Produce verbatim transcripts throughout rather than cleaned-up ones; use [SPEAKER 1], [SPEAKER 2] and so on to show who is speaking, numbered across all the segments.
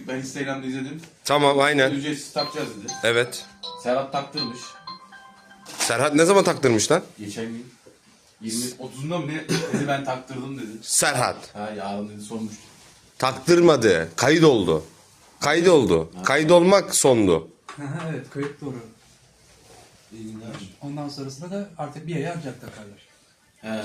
[SPEAKER 1] Ben Instagram'da izledim.
[SPEAKER 2] Tamam aynen.
[SPEAKER 1] Ücretsiz takacağız dedi.
[SPEAKER 2] Evet.
[SPEAKER 1] Serhat taktırmış.
[SPEAKER 2] Serhat ne zaman taktırmış lan?
[SPEAKER 1] Geçen gün. yirmi otuzunda mı ne dedi, ben taktırdım dedi.
[SPEAKER 2] Serhat.
[SPEAKER 1] Ha yarın dedi, sormuş.
[SPEAKER 2] Taktırmadı. Kayıt oldu. Kayıt oldu. Kayıt olmak sondu.
[SPEAKER 3] Evet, kayıt doğru.
[SPEAKER 4] İyi günler.
[SPEAKER 3] Ondan sonrasında da artık bir aya ancak takarlar.
[SPEAKER 1] He.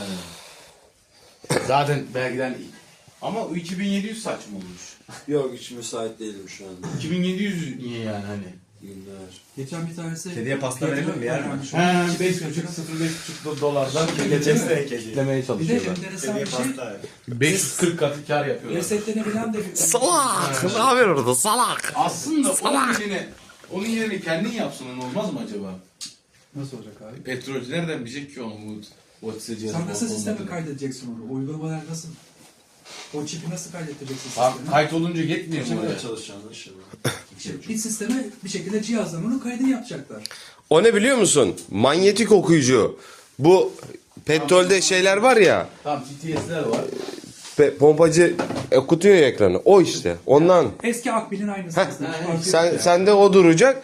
[SPEAKER 1] Zaten belgeden iyi. Ama o iki bin yedi yüz saçma olmuş.
[SPEAKER 4] Yok hiç müsait değilim şu anda.
[SPEAKER 1] iki bin yedi yüz niye yani hani?
[SPEAKER 4] İyi günler.
[SPEAKER 3] Geçen bir tanesi...
[SPEAKER 5] Kediye pasta verelim mi, yer mi?
[SPEAKER 1] He beş buçuk sıfır beş buçuk dolardan
[SPEAKER 5] Geçesine kedi.
[SPEAKER 1] kitlemeye
[SPEAKER 3] Bir de
[SPEAKER 1] çalışıyorlar.
[SPEAKER 3] enteresan
[SPEAKER 5] Kediye
[SPEAKER 3] bir şey,
[SPEAKER 5] pasta ver.
[SPEAKER 1] beş yüz kırk katı kar yapıyorlar.
[SPEAKER 3] resetlenebilen de bir...
[SPEAKER 2] Salak. Ne haber orada salak?
[SPEAKER 1] Aslında onun yerine, onun yerine kendin yapsan olmaz mı acaba?
[SPEAKER 3] Nasıl olacak abi?
[SPEAKER 1] Petrolcü nereden bilecek ki onu bu WhatsApp cihazı?
[SPEAKER 3] Sen nasıl
[SPEAKER 1] olup
[SPEAKER 3] sistemi
[SPEAKER 1] olmadığını?
[SPEAKER 3] kaydedeceksin onu? Uygulamalar nasıl? O çipi nasıl kaydettireceksin
[SPEAKER 1] Tamam,
[SPEAKER 3] sisteme?
[SPEAKER 1] kayıt olunca yetmiyor mu
[SPEAKER 4] Kimle
[SPEAKER 1] oraya?
[SPEAKER 4] çalışacağını inşallah.
[SPEAKER 3] İşte bir sisteme bir şekilde cihazdan onun kaydını yapacaklar.
[SPEAKER 2] O ne biliyor musun? Manyetik okuyucu. Bu petrolde şeyler var ya.
[SPEAKER 1] Tamam G T S'ler var.
[SPEAKER 2] Pe- pompacı okutuyor ya ekranı. O işte. Ondan.
[SPEAKER 3] Eski Akbil'in aynısı
[SPEAKER 2] Heh,
[SPEAKER 3] aslında.
[SPEAKER 1] ha,
[SPEAKER 3] Farkı yok
[SPEAKER 2] Sen
[SPEAKER 3] yani.
[SPEAKER 2] sende o duracak.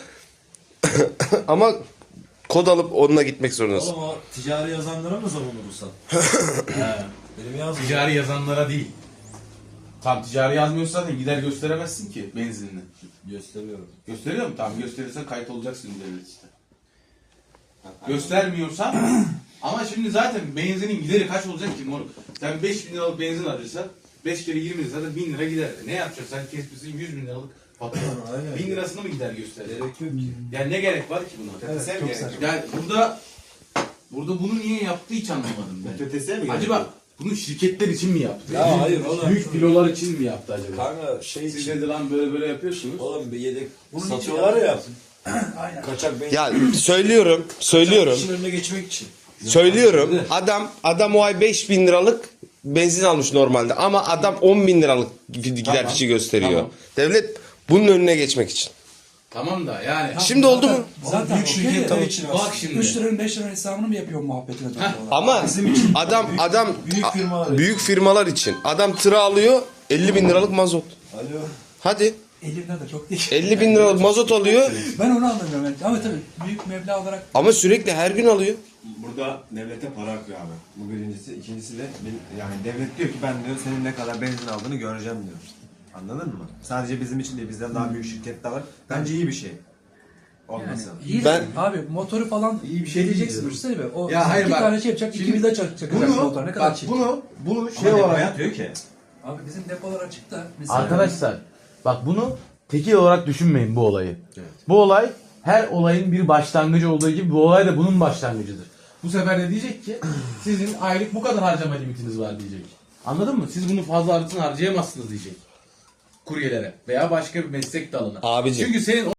[SPEAKER 2] Ama kod alıp onunla gitmek zorundasın.
[SPEAKER 5] Oğlum o ticari yazanlara mı zaman olursan?
[SPEAKER 1] He.
[SPEAKER 5] Benim yazmıyor.
[SPEAKER 1] Ticari yazanlara değil. Tam ticari yazmıyorsa zaten gider gösteremezsin ki benzinini.
[SPEAKER 5] Gösteriyorum.
[SPEAKER 1] Gösteriyor mu? Tamam gösterirsen kayıt olacaksın devlet işte. Göstermiyorsan ama şimdi zaten benzinin gideri kaç olacak ki moruk? Sen beş bin liralık benzin alırsan beş kere yirmi lira zaten bin lira gider. Ne yapacaksın? Sen kesmişsin yüz bin liralık fatura.
[SPEAKER 5] Aynen.
[SPEAKER 1] bin lirasını mı gider gösterir?
[SPEAKER 5] Gerek yok ki.
[SPEAKER 1] Yani ne gerek var ki buna?
[SPEAKER 3] Evet,
[SPEAKER 5] Sen
[SPEAKER 3] çok
[SPEAKER 5] gerek
[SPEAKER 3] saçma.
[SPEAKER 1] Yani burada burada bunu niye yaptı hiç anlamadım ben.
[SPEAKER 5] Ötesiye mi gerek
[SPEAKER 1] Acaba
[SPEAKER 5] yok?
[SPEAKER 1] bunu şirketler için mi yaptı?
[SPEAKER 4] Ya hayır oğlum.
[SPEAKER 1] Büyük filolar için mi yaptı acaba?
[SPEAKER 4] Kanka şey
[SPEAKER 1] Siz
[SPEAKER 4] için.
[SPEAKER 1] dedi lan böyle böyle yapıyorsunuz.
[SPEAKER 4] Oğlum bir yedek
[SPEAKER 3] Bunun için
[SPEAKER 4] satıyorlar ya.
[SPEAKER 3] Aynen.
[SPEAKER 4] Kaçak benzin.
[SPEAKER 2] Ya söylüyorum, söylüyorum,
[SPEAKER 4] İşin önüne geçmek için.
[SPEAKER 2] söylüyorum. Adam adam o ay beş bin liralık benzin almış normalde ama adam on bin liralık gider
[SPEAKER 1] Tamam,
[SPEAKER 2] fişi gösteriyor.
[SPEAKER 1] tamam.
[SPEAKER 2] Devlet bunun önüne geçmek için.
[SPEAKER 1] Tamam da yani.
[SPEAKER 2] Şimdi oldu mu?
[SPEAKER 3] Zaten
[SPEAKER 4] Büyük
[SPEAKER 3] okey
[SPEAKER 4] şirketler
[SPEAKER 3] de
[SPEAKER 4] için
[SPEAKER 1] Bak
[SPEAKER 4] aslında.
[SPEAKER 1] şimdi.
[SPEAKER 3] üç liranın beş liranın hesabını mı yapıyor muhabbetine dönüyorlar?
[SPEAKER 2] Ama adam adam
[SPEAKER 5] büyük firmalar için.
[SPEAKER 2] büyük firmalar için adam tırı alıyor elli bin liralık mazot.
[SPEAKER 5] Alo.
[SPEAKER 2] Hadi
[SPEAKER 3] elli lira da çok değil.
[SPEAKER 2] elli bin liralık mazot alıyor
[SPEAKER 3] Ben onu anlamıyorum. Yani. Ama tabii büyük meblağ olarak
[SPEAKER 2] ama sürekli her gün alıyor.
[SPEAKER 6] Burada devlete para akıyor abi. Bu birincisi. İkincisi de bil- yani devlet diyor ki ben diyor senin ne kadar benzin aldığını göreceğim diyor. Anladın mı? Sadece bizim için değil, bizden daha büyük şirketler var. Bence iyi bir şey.
[SPEAKER 3] yani
[SPEAKER 6] Olmasın.
[SPEAKER 3] iyi
[SPEAKER 2] Ben-
[SPEAKER 3] ben, abi motoru falan
[SPEAKER 1] İyi bir şey
[SPEAKER 3] diyeceksin
[SPEAKER 1] değil
[SPEAKER 3] düşünsene be. O
[SPEAKER 1] Ya hayır
[SPEAKER 3] iki
[SPEAKER 1] bak,
[SPEAKER 3] tane şey yapacak,
[SPEAKER 1] şimdi
[SPEAKER 3] iki vida çak çakacak motor. Ne kadar
[SPEAKER 1] bak,
[SPEAKER 3] çirkin.
[SPEAKER 1] bunu bunu
[SPEAKER 6] Şey
[SPEAKER 1] şey
[SPEAKER 6] olarak
[SPEAKER 1] olarak
[SPEAKER 6] yatıyor ki.
[SPEAKER 3] Abi bizim depolar açıkta. Mesela
[SPEAKER 7] Arkadaşlar bak bunu tekil olarak düşünmeyin bu olayı. Bu olay her olayın bir başlangıcı olduğu gibi bu olay da bunun başlangıcıdır. Bu sefer de diyecek ki sizin aylık bu kadar harcama limitiniz var diyecek. Anladın mı? Siz bunu fazla artın harcayamazsınız diyecek. Kuryelere veya başka bir meslek dalına.
[SPEAKER 2] Abicim.
[SPEAKER 7] Çünkü senin